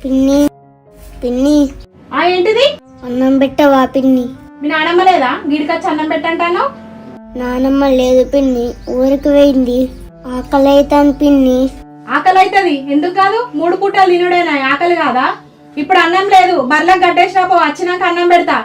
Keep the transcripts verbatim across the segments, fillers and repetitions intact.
పిన్ని పిన్ని ఆ ఏంటిది? అన్నం పెట్టవా పిన్ని? మీ నానమ్మ లేదా? గిడికొచ్చి అన్నం పెట్టంటాను. నానమ్మ లేదు పిన్ని, ఊరికి పోయింది. ఆకలి అవుతాను పిన్ని. ఆకలి అవుతుంది, ఎందుకు కాదు? మూడు పూటలు తినుడేనా, ఆకలి కాదా? ఇప్పుడు అన్నం లేదు, బర్లకు గడ్డేసినా పో, వచ్చినాక అన్నం పెడతా.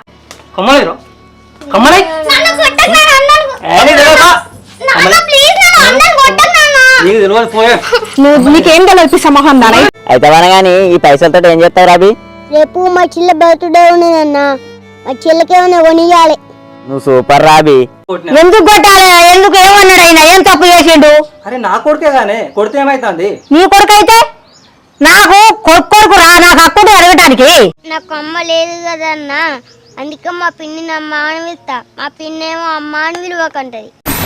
నీకేం తెలిపిస్తా మొహం దాని అయితే గానీ ఈ పైసలతో ఏం చేస్తావు రాబి? రేపు మా చెల్లె బర్త్డే ఉన్నదన్నా, మా చెల్లెకేమైనా కొనియాలి. నువ్వు సూపర్ రాబి. ఎందుకు కొట్టాలి? ఎందుకు ఏమన్నాడు ఆయన? ఏం తప్పు చేసిండు? అరే నా కొడుకే గానే కొడితే ఏమైతుంది? నీ కొడుకు అయితే నాకు కొడుకు కొడుకు రా, నాకు అక్కడే అడగటానికి. నాకు అమ్మ లేదు కదన్నా, అందుకే మా పిన్నిని అమ్మ అని పిలుస్తా. మా పిన్ని ఏమో అమ్మ అని విలువకంటది.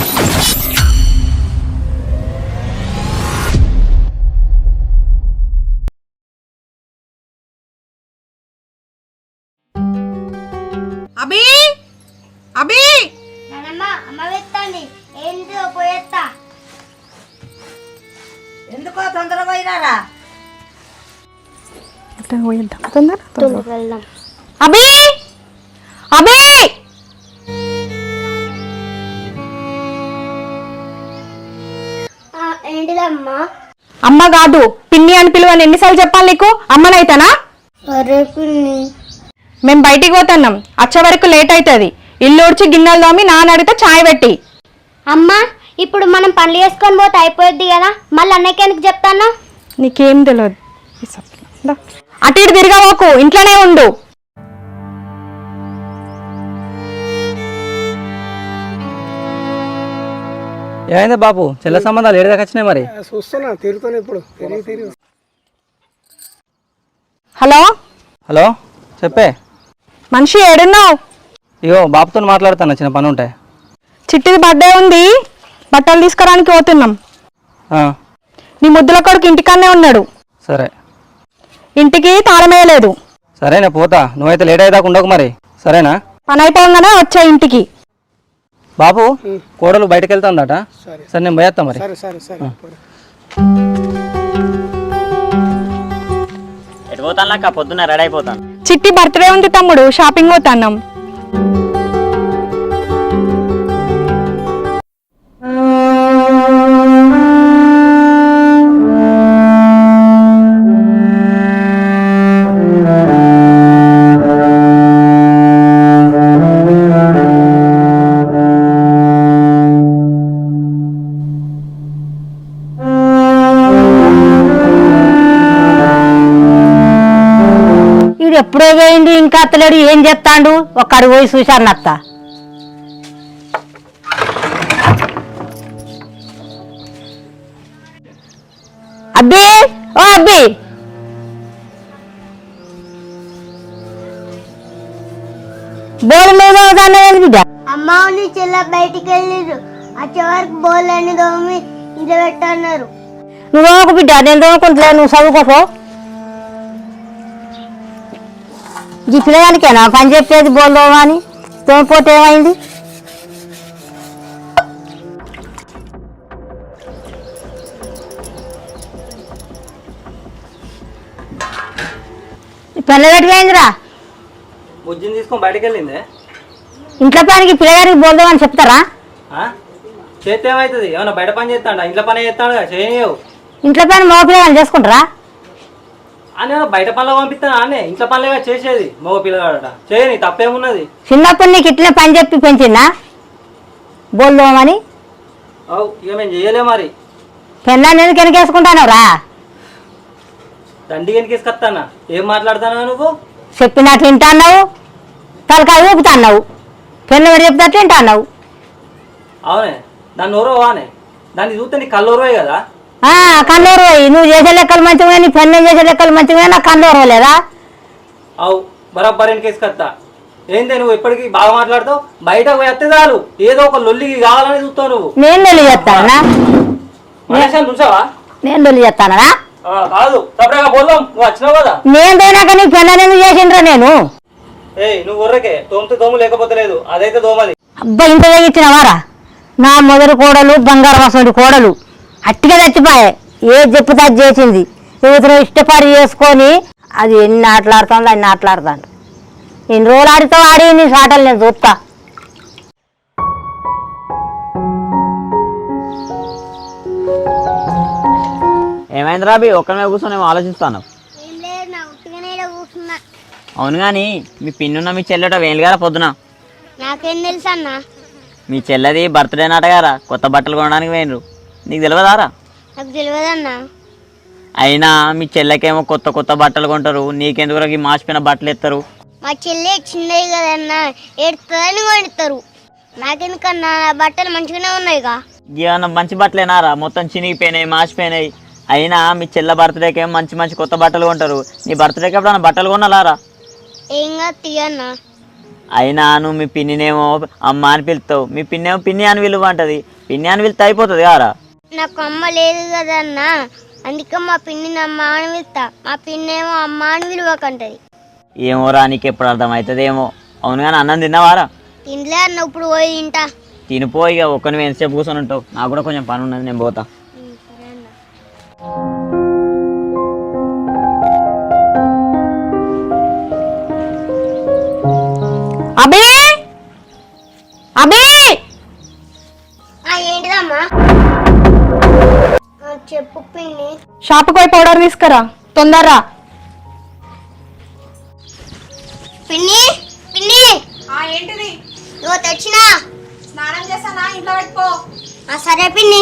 అబీ అబీ అమ్మ వెత్తండి, ఏంటో పోయేస్తా. ఎందుకో తొందర పోయినారా? వెళ్దాం. అబీ అబీ ఏంటిదమ్మా? అమ్మ కాదు పిన్ని అని పిలువని ఎన్నిసార్లు చెప్పాలి నీకు? అమ్మనైతేనా? అరే పిన్ని, మేము బయటికి పోతున్నాం, వచ్చే వరకు లేట్ అవుతుంది. ఇల్లు ఉడిచి గిన్నెలు తోమి నాన్న అడిగితే చాయ్ పెట్టి. అమ్మా ఇప్పుడు మనం పనులు చేసుకొని పోతే అయిపోద్ది కదా, మళ్ళీ అన్నయ్యకి ఎందుకు చెప్తాను? నీకేం తెలియదు, అటు ఇటు తిరగవోకు, ఇంట్లోనే ఉండు. ఏమైంది బాబు, చెల్ల సంబంధాలు ఏడు దాకా వచ్చినాయి? మరి చూస్తున్నా, తిరుగుతాను ఇప్పుడు. హలో హలో చెప్పే. మనిషి ఏడున్నావు? ఇగో బాబుతో మాట్లాడుతాను, చిన్న పని ఉంటాయి. చిట్టిది బర్త్డే ఉంది, బట్టలు తీసుకురానికి పోతున్నాం. నీ ముద్దుల కొడుకు ఇంటికన్నే ఉన్నాడు. సరే. ఇంటికి తాళం వేయలేదు. సరేనా, పోతా. నువ్వైతే లేట్ అయ్యేదాకా ఉండకు మరి, సరేనా? పని అయిపోగానే వచ్చా ఇంటికి. బాబు కోడలు బయటకు వెళ్తాందట, సరే నేను పోయేస్తా మరి. ఎటు పోతాను? పొద్దున్న రెడీ అయిపోతాను. చిట్టి బర్త్డే ఉంది తమ్ముడు, షాపింగ్ పోతాన్నాం. ఎప్పుడో పోయింది, ఇంకా అత్తలేడు. ఏం చెప్తాండు? ఒక్కడు పోయి చూశాను అత్త. అబ్బి ఓ అబ్బి, బోల్ మీద బిడ్డ. అమ్మ నీ చెల్ల బయటికి వెళ్ళిరు, వచ్చే వరకు బోల్ అని దోమి ఇంట్లో పెట్టన్నారు. నువ్వు ఒక బిడ్డ, నేను దోముకుంటలే, నువ్వు చదువుకోపో. ఈ పిల్లగానికేనా పని చెప్పేది? బోల్దోమా అని తోమిపోతే ఏమైంది? పిల్లగట్టుకైందిరా, బుజ్జిని తీసుకొని బయటకు వెళ్ళిందే. ఇంట్లో పనికి పిల్లగారికి బోల్దోమని చెప్తారా? చేస్తే ఏమవుతుంది? ఏమన్నా బయట పని చేస్తాడా? ఇంట్లో పని చేస్తాడు కదా, చేయనియవు. ఇంట్లో పని మగ పిల్లగాని చేసుకుంటారా? అని బయట పనులు పంపిస్తాను, అనే ఇంట్లో పనులుగా చేసేది మగ పిల్లగాడట. చేయని తప్పేమున్నది? చిన్నప్పుడు నీకు ఇట్లనే పని చెప్పి పెంచిందా బోల్దోమని? అవు ఇక మేము చేయలే మరి. పెళ్ళాన్ని ఎందుకు వెనకేసుకుంటాను రా? దండి వెనకేసుకొస్తానా? ఏం మాట్లాడుతానా నువ్వు? చెప్పినట్లు వింటాన్నావు, తలకాయ ఊపుతాన్నావు. పెళ్ళి ఎవరు చెప్తాట్లు వింటాన్నావు. అవునే, దాన్ని ఓరవానే, దాన్ని చూస్తే నీ కళ్ళోరవే కదా. కన్నూరు పోయి నువ్వు చేసే లెక్కలు మంచిగా, నీ పెళ్ళి చేసే లెక్కలు మంచిగా, నాకు కన్నూరు లేదా? అవు బరాబర్ వెనకేసుకొస్తా. ఏందే నువ్వు ఎప్పటికీ బాగా మాట్లాడుతావు? బయట పోతే చాలు ఏదో ఒక లొల్లికి కావాలని చూస్తావు నువ్వు. నేను లొల్లి చేస్తానా? చూసావా? నేను లొల్లి చేస్తానా? కాదు, తప్పగా పోదాం. నువ్వు వచ్చినావు కదా. నేను పోయినాక నీ పెళ్ళని ఎందుకు చేసిండ్రా? నేను ఏ నువ్వు ఊర్రకే తోమితే దోము, లేకపోతే లేదు. అదైతే దోమది. అబ్బా ఇంత తెగించినవారా? నా మొదటి కోడలు బంగారం అసలు కోడలు అట్టిగా చచ్చిపోయా. ఏ చెప్పుతా చేసింది. ఇతను ఇష్టపడి చేసుకొని అది ఎన్ని ఆటలాడుతుందో అన్ని ఆటలాడుతాను. ఎన్ని రోజులు ఆడితో ఆడి నీ ఆటలు నేను చూస్తా. ఏమైంది రాబీ ఒక్కనే కూర్చొని ఏమో ఆలోచిస్తాను. ఏం లేదు నా ఉట్టిగానే ఈడ కూర్చున్నా. అవును కానీ మీ పిన్నున్న మీ చెల్లెట వేలుగారా పొద్దున. నాకేం తెలుసు అన్న. మీ చెల్లెది బర్త్డే నాటగారా కొత్త బట్టలు కొనడానికి పోయినరు. నీకు తెలియదారా? నాకు తెలియదన్న. అయినా మీ చెల్లెకేమో కొత్త కొత్త బట్టలు కొంటారు, నీకెందుకు ఈ మాసిపోయిన బట్టలు ఎత్తారు. మా చెల్లి చిన్నది కదన్న, ఏడుతుందని కొడతారు. నాకెందుకన్నా నా బట్టలు మంచిగానే ఉన్నాయిగా. ఏమన్నా మంచి బట్టలేనారా? మొత్తం చినిగిపోయినాయి, మాసిపోయినాయి. అయినా మీ చెల్లె బర్త్డేకి ఏమో మంచి మంచి కొత్త బట్టలు కొంటారు, నీ బర్త్డేకి ఎప్పుడన్నా బట్టలు కొనాలారా? ఏం కాదు తీయన్న. అయినా నువ్వు మీ పిన్నినేమో అమ్మ అని పిలుస్తావు, మీ పిన్నేమో పిన్ని అని విలువ అంటది. పిన్ని అని పిలిస్తే అయిపోతుంది కారా? నాకు అమ్మ లేదు కదన్న, అందుకే మా పిన్నిని అమ్మ అని పిలుస్తా. మా పిన్నేమో అమ్మ అని విలువకంటది. ఏమోరా నీకు ఎప్పుడు అర్థమవుతుందేమో. అవును కానీ అన్నం తిన్నావారా? తినలే అన్న, ఇప్పుడు పోయి తింటా. తినిపోయి ఇక ఒక్కని ఎంతసేపు కూర్చొని ఉంటావు. నాకు కూడా కొంచెం పని ఉన్నది, నేను పోతా. సరే అన్న. అబే అబే ఏంటిదమ్మా? చెప్పు పిన్ని. షాపుకి పోయి పౌడర్ తీసుకురా తొందరరా. పిన్ని పిన్ని ఏంటిది? నువ్వు తెచ్చినా స్నానం చేస్తానా? ఇంట్లో పెట్టుకో. సరే పిన్ని.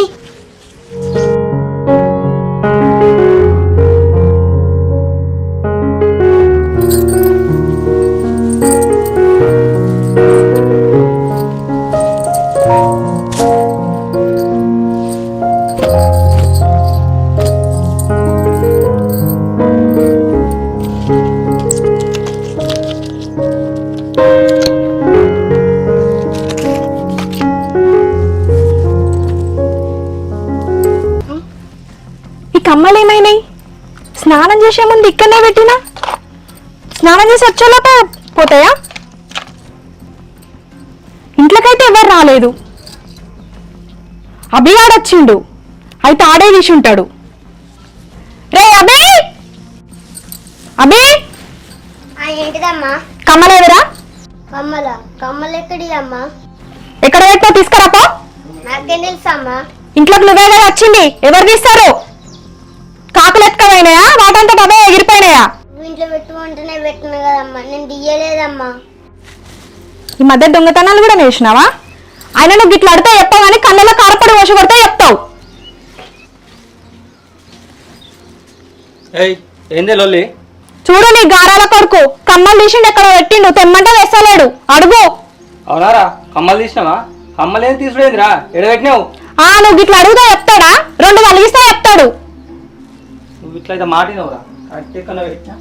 కమ్మలు ఏమైనాయి? స్నానం చేసే ముందు ఇక్కడనే పెట్టినా, స్నానం చేసి వచ్చేలోపే పోతాయా? ఇంట్లోకైతే ఎవరు రాలేదు. అభి ఆడొచ్చిండు, అయితే ఆడే తీసి ఉంటాడు. రే అభి అభి ఏంటిదమ్మా? కమ్మలేదురా? కమ్మల కమ్మలు ఎక్కడి అమ్మా? ఎక్కడ పెట్టినా తీసుకురాపో. నాకేం తెలుసమ్మా? ఇంట్లోకి నువ్వే కదా వచ్చింది, ఎవరు తీస్తారు? కాకులు ఎత్తుకపోయినాయా, వాటంతా అవే ఎగిరిపోయినాయా? ఇంట్లో పెట్టుకుంటేనే పెట్టిన కదమ్మా, నేను దియ్యలేదమ్మా. ఈ మధ్య దొంగతనాలు కూడా నేర్చినావా? ఆయన నువ్వు ఇట్లా అడితే చెప్తావు కానీ కళ్ళలో కారపడి వసి కొడితే చెప్తావు. ఏయ్ ఏందే లొల్లి? చూడు నీ గారాల కొడుకు కమ్మలు తీసిండు, ఎక్కడ పెట్టిండు, తెమ్మంటే వేస్తలేడు. అడుగు. అవునారా? కమ్మలు తీసినావా? కమ్మలు ఏం తీసుడేందిరా? ఎడబెట్టినావు? ఆ నువ్వు ఇట్లా అడుగుతా చెప్తాడా? రెండు కలిగిస్తే చెప్తాడు. నువ్వు ఇట్లయితే మాటినవురా? కరెక్ట్ కన్నా పెట్టినా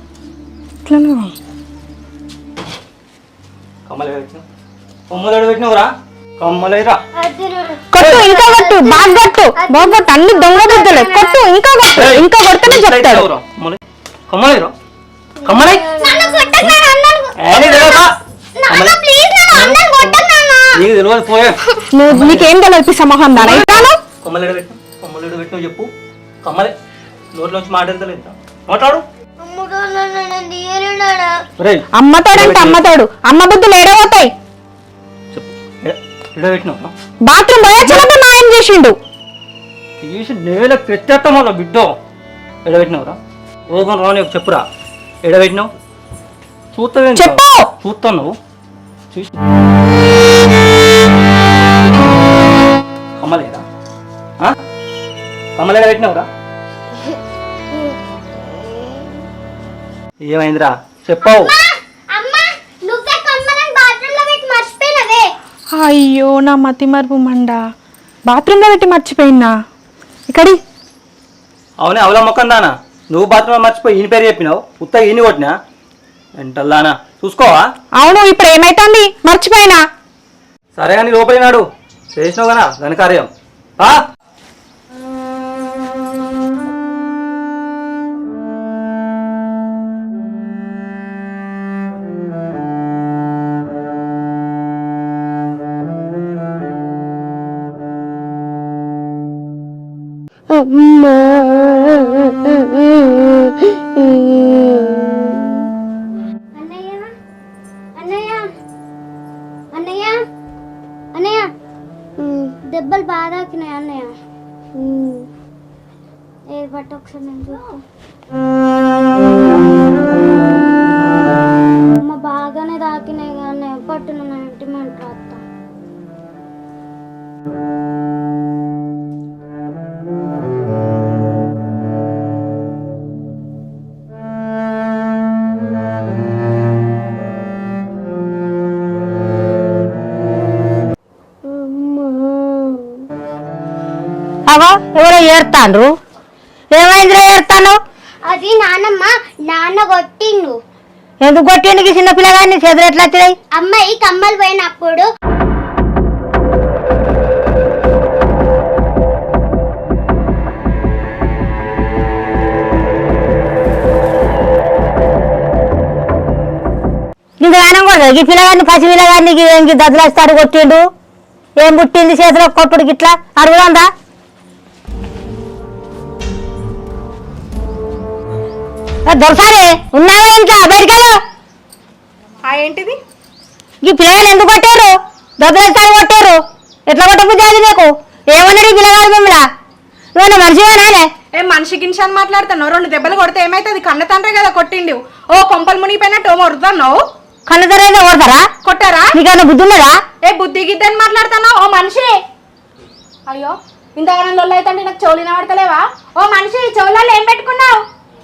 కమ్మలు పెట్టినావు, కొమ్మలు ఎడబెట్టినవురా? కమ్మలేరా? కొట్టు, ఇంకా కొట్టు, బాగా కొట్టు, బాగా కొట్టు. అన్ని దొంగ బుద్ధులే. కొట్టు, ఇంకా కొట్టు, ఇంకా కొడితేనే చెప్తాడు. కమ్మలేరా? కమ్మలే నీకు తెలియదు పోయే. నువ్వు నీకేం తెలియదు సమూహం దాని కొమ్మలు ఎడబెట్టినావు, కొమ్మలు ఎడబెట్టినావు చెప్పు. కమ్మలే నోట్లోంచి మాట ఎంత లేదు, మాట్లాడు. అమ్మతోడంటే అమ్మతోడు, అమ్మ బుద్ధులు ఏడవతాయి. ఎడబెట్టినావు? బాత్రూమ్ పోయొచ్చినప్పుడు నాయం చేసిండు. తీసి నేల పెట్టేస్తాం వాళ్ళ బిడ్డ. ఎడబెట్టినవురా? ఓహో రాని చెప్పురా, ఎడబెట్టినావు? చూస్తావు చెప్పు. చూస్తావు నువ్వు చూసి కమ్మలేరా? కమ్మలు ఎడబెట్టినావురా? ఏమైందిరా చెప్పావు? అయ్యో నా మతి మరుపు మండ, బాత్రూంలో పెట్టి మర్చిపోయినా. ఇక్కడి అవునే అవలా మొక్కందానా, నువ్వు బాత్రూమ్ మర్చిపోయి ఈయన పేరు చెప్పినావు, ఉత్త ఈయన కొట్టినా ఎంటల్లానా చూసుకోవా? అవును, ఇప్పుడు ఏమైతుంది? మర్చిపోయినా. సరే కానీ లోపలినాడు చేసినావు కదా దాని కార్యం. అమ్మా ఒకసారి నేను చూస్తా. అమ్మ బాగానే తాకినాయి కానీ పట్టున ఇంటిమెంట్ రాస్తా. అవో ఎవరో ఏడుతాండ్రు. ఏమైందిరా ఏడుతాను? అది నానమ్మ నాన్న కొట్టిండు. ఎందుకు కొట్టిండు చిన్న పిల్లగాన్ని? చేతులు ఎట్లా వచ్చినాయి? అమ్మాయి కమ్మలు పోయినప్పుడు ఇంక గానం కూడా ఈ పిల్లగాన్ని పసి పిల్లగాన్ని ఇంక దద్దులేస్తాడు కొట్టిండు. ఏం పుట్టింది చేతిలో కొట్టుడు గిట్లా అడుగుదా? దొరసారి ఉన్నావా ఇంట్లో? బయటకెళ్ళు. ఆ ఏంటిది? ఈ పిల్లగాలు ఎందుకు కొట్టారు? దొద్దలేస్తాడు కొట్టారు. ఎట్లా కొట్టబుద్ధి అది నీకు? ఏమన్నాడు ఈ పిల్లగాడు మిమ్మల్ని? నువ్వు మనిషివేనానే? ఏ మనిషి గినిషి అని మాట్లాడుతున్నావు? రెండు దెబ్బలు కొడితే ఏమైతుంది? కన్న తండ్రే కదా కొట్టిండు. ఓ కొంపలు మునిగిపోయినట్టు ఓ మొరుతున్నావు. కళ్ళ తరేదో కొడతారా? కొట్టారా? నీకన్నా బుద్ధి ఉన్నదా? ఏ బుద్ధి గిద్ద అని మాట్లాడుతున్నావు? ఓ మనిషి, అయ్యో ఇంతగానం లొల్లు అయితే నాకు చెవులు వినబడతలేవా? ఓ మనిషి, చెవులలో ఏం పెట్టుకున్నావు?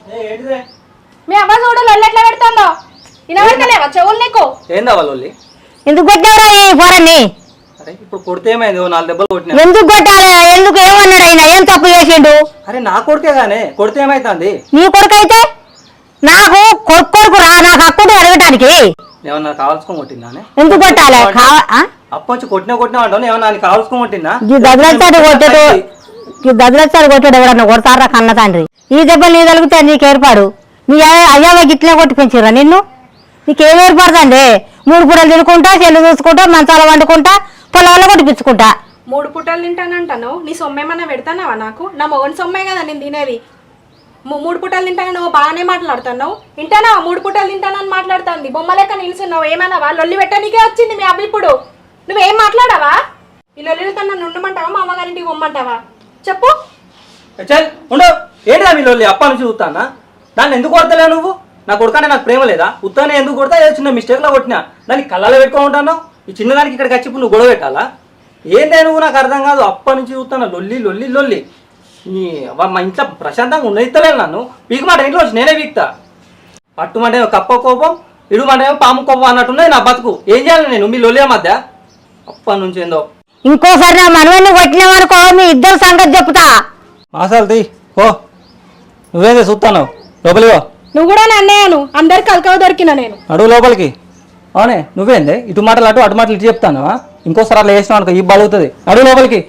మీ అవ్వ చూడు లొల్లు ఎట్లా పెడుతుందో. వినబడతలేవా చెవులు నీకు? ఏందా వాళ్ళు? ఎందుకు కొట్టావురా ఈ పోరన్ని? అరే ఇప్పుడు కొడితే ఏమైంది? ఓ నాలుగు దెబ్బలు కొట్టినా. ఎందుకు కొట్టాలి? ఎందుకు ఏమన్నాడు ఆయన? ఏం తప్పు చేసిండు? అరే నా కొడుకే గానే కొడితే ఏమైతుంది? నీ కొడుకు అయితే నాకు కొడుకు కొడుకు రా, నాకు అక్కడు అడగటానికి. ఏమన్నా కావాల్సుకొని కొట్టిందానే? ఎందుకు కొట్టాలి? అప్పొచ్చి కొట్టినా కొట్టినా అంటావు. ఏమన్నా అని కావాల్సుకొని కొట్టిందా? ఈ దద్దులస్తాడు కొట్టాడు, ఈ దద్దులస్తాడు కొట్టాడు. ఎవడన్నా కొడతారా కన్న తండ్రి? ఈ దెబ్బ నీ తలుగుతా నీకు ఏర్పాడు. నీ అయ్యావ గిట్లే కొట్టి పెంచురా నిన్ను? నీకేం ఏర్పడుతుంది? మూడు పూటలు తినుకుంటా, చెల్లు చూసుకుంటా, మంచాల వండుకుంటా, పొలాల్లో కొట్టిపించుకుంటా. మూడు పూటలు తింటానంటాను. నీ సొమ్మేమన్నా పెడతానావా నాకు? నా మొగని సొమ్మే కదా నేను తినేది. ము- మూడు పూటలు తింటాను నువ్వు బాగానే మాట్లాడుతున్నావు. తింటానావా? మూడు పూటలు తింటానని మాట్లాడుతుంది. బొమ్మ లెక్క నిలుచున్నావు. ఏమన్నావా? లొల్లి పెట్టడానికే వచ్చింది మీ అబ్బ. ఇప్పుడు నువ్వేం మాట్లాడావా? ఈ లొల్లితో నన్ను ఉండమంటావా? మా అమ్మగారింటికి పొమ్మంటావా? చెప్పు. చల్ ఉండవు. ఏంటిదా మీ లొల్లి? అప్ప నుంచి చూస్తానా? దాన్ని ఎందుకు కొడతలేవు నువ్వు? నా కొడుకంటే నాకు ప్రేమ లేదా? ఉత్తానే ఎందుకు కొడతా? ఏదో చిన్న మిస్టేక్లో కొట్టినా. దాన్ని కళ్ళలో పెట్టుకో ఉంటాను. ఈ చిన్నదానికి ఇక్కడికి వచ్చి ఇప్పుడు నువ్వు గొడవ పెట్టాలా? ఏందే నువ్వు? నాకు అర్థం కాదు. అప్ప నుంచి చూస్తాను లొల్లి లొల్లి లొల్లి. ఈ మా ఇంట్లో ప్రశాంతంగా ఉన్నదిస్తలేదు నన్ను. పీకు మాట ఇంట్లో వచ్చి నేనే పీకుతా. పట్టుమంటే కప్ప కోపం, ఇడుమంటే పాము కోపం అన్నట్టున్నది నా బతుకు. ఏం చేయాలి నేను మీ లొల్లి మధ్య? అప్పటి నుంచి ఏందో. ఇంకోసారి నా మనవన్ని కొట్టినామనుకో మీ ఇద్దరు సంగతి చెప్తా. మాసాలు తీ ఓ. నువ్వేందే చూస్తాను? లోపలివో. నువ్వు కూడా నన్నేను. అందరికి కలకవ దొరికిన నేను. అడుగు లోపలికి. అవునే నువ్వేందే ఇటు మాటలు అటు అటు మాటలు ఇటు చెప్తాను. ఇంకోసారి అట్లా వేసినావు అనుకో ఈ బలుగుతుంది. అడుగు లోపలికి.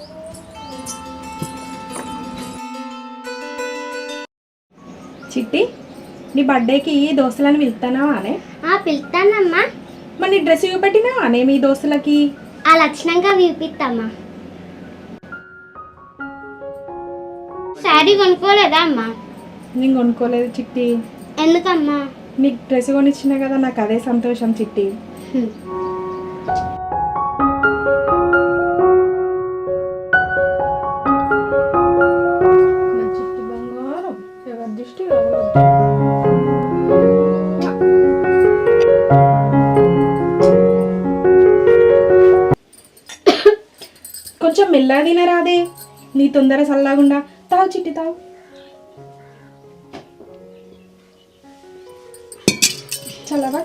చిట్టి, నీ బర్త్డేకి దోస్తులను పిలుస్తానావా అనే? ఆ పిలుస్తానమ్మా. మరి నీ డ్రెస్ చూపెట్టినావా అనే మీ దోస్తులకి? ఆ లక్షణంగా విపిస్తామ్మా. శారీ కొనుక్కోలేదా అమ్మా? నేను కొనుక్కోలేదు చిట్టి. ఎందుకమ్మా? నీకు డ్రెస్ కొనిచ్చినా కదా, నాకు అదే సంతోషం చిట్టి. నా చిట్టి బంగారం ఎవరి దృష్టి రావద్దు. కొంచెం మెల్లగా తినరాదే, నీ తొందర సల్లాగుండా. తావు చిట్టి తావు. చల్లవా?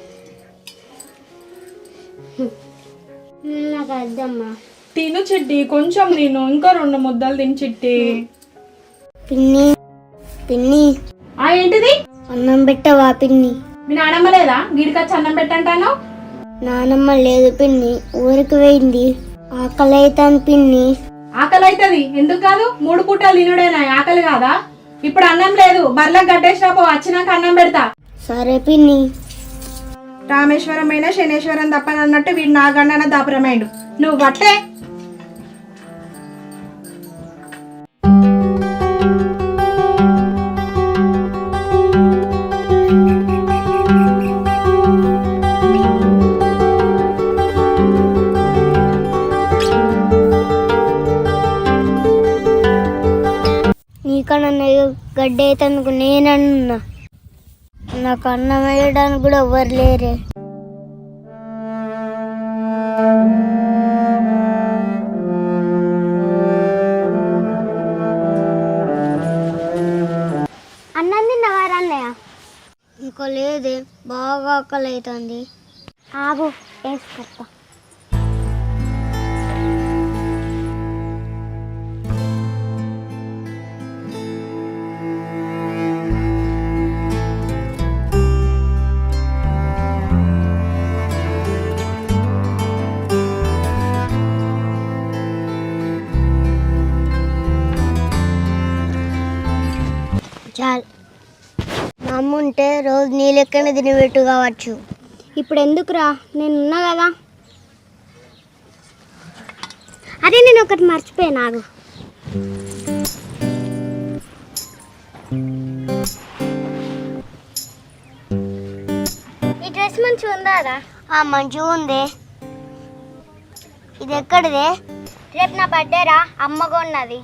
నాకు అద్దమ్మా. తిను చిట్టి, కొంచెం తిను. ఇంకా రెండు ముద్దలు తిని చిట్టి. పిన్ని పిన్ని ఆ ఏంటిది? అన్నం పెట్టవా పిన్ని? మీ నానమ్మ లేదా? గీడికొచ్చి అన్నం పెట్టంటాను. నానమ్మ లేదు పిన్ని, ఊరికి పోయింది. ఆకలి అవుతాను పిన్ని. ఆకలి అవుతుంది. ఎందుకు కాదు? మూడు పూటలు తినుడేనా ఆకలి కాదా? ఇప్పుడు అన్నం లేదు. బర్లకు గడ్డేసినా పో, వచ్చినాక అన్నం పెడతా. సరే పిన్ని. రామేశ్వరం అయినా శనేశ్వరం తప్పనన్నట్టు వీడు నా గండన దాపురమైండు. నువ్వు బట్టే. నీకన్నా బర్త్డే అయితే అందుకు నేనన్నా నాకు అన్నం వేయడానికి కూడా ఎవ్వరు లేరే. అన్నం తిన్నవారు అన్నయ్య? ఇంకో లేదే, బాగా ఆకలి అవుతుంది. ఆగు వేసుకొస్తా. చాలు, మా అమ్మ ఉంటే రోజు నీ లెక్కనే తినబెట్టు కావచ్చు. ఇప్పుడు ఎందుకురా, నేనున్నా కదా. అరే నేను ఒకటి మర్చిపోయా, నాకు ఈ డ్రెస్ మంచిగా ఉందారా? మంచిగా ఉంది. ఇది ఎక్కడిదే? రేపు నా బర్త్డే రా, అమ్మ కొన్నది.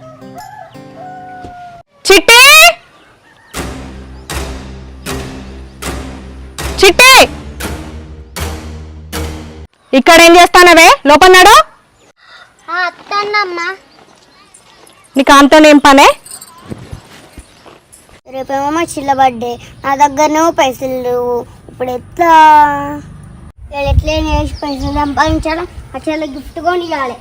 చిట్టి చిట్టి ఇక్కడ ఏం చేస్తానవే? లోపన్నాడు అత్తన్నమ్మా. నీకు అంతా ఏం పనే? రేపేమో మా చిల్ల బర్త్డే, నా దగ్గరనేమో పైసలు లేవు. ఇప్పుడు ఎట్లా ఎట్లా వేసి పైసలు సంపాదించాలి, ఆ చెల్ల గిఫ్ట్ కొని ఇవ్వాలి.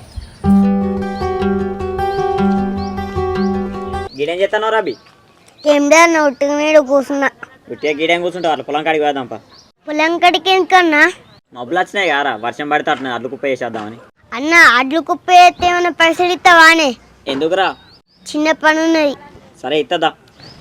గీడేం చేస్తాను రాబి? ఏం డాన్న ఒట్టిగా మీద కూర్చున్నా. ఉట్టిగా గీడేం కూర్చుంటావు? అట్లా పొలం కాడికి పోదాంపా. పొలం కాడికి ఎందుకన్నా? మబ్బులు వచ్చినాయి కారా, వర్షం పడితే అట్లా అడ్లు కుప్ప వేసేద్దామని. అన్న అడ్లు కుప్ప అయితే ఏమైనా పైసలు ఇస్తావానే? ఎందుకురా? చిన్న పని ఉన్నది. సరే ఇస్తుందా.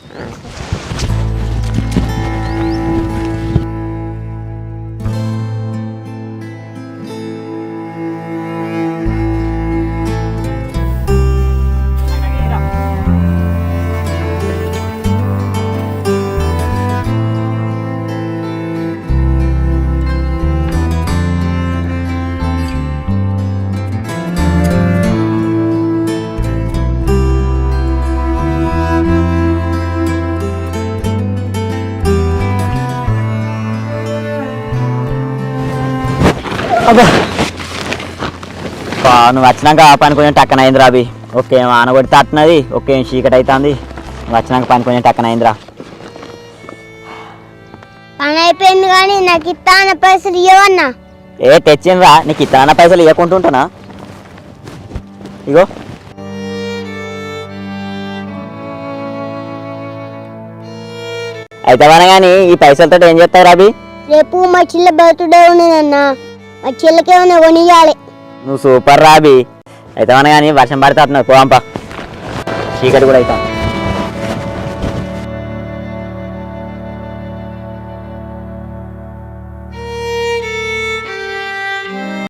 నువ్వు వచ్చినాక ఆ పని కొంచెం టక్కన అయింది రాబి. ఓకే ఆన కొడితే అట్టినది, ఓకే చీకటి అవుతుంది. నువ్వు వచ్చినాక పని కొంచెం టక్కన అయిందిరా. పని అయిపోయింది కానీ నాకు ఇస్తాన పైసలు ఇవ్వన్నా. ఏ తెచ్చిండ్రా, నీకు ఇతన పైసలు ఇవ్వకుంటుంటానా? ఇగో అయితే కానీ ఈ పైసలతో ఏం చేస్తావు రాబి? రేపు మా చిల్ల బర్త్డే ఉన్నదన్నా, మా చిల్లకేమైనా కొనియాలి. నువ్వు సూపర్ రాబి. అయితే కానీ వర్షం పడితే అట్టినది, పోవంపా, చీకటి కూడా అవుతాను.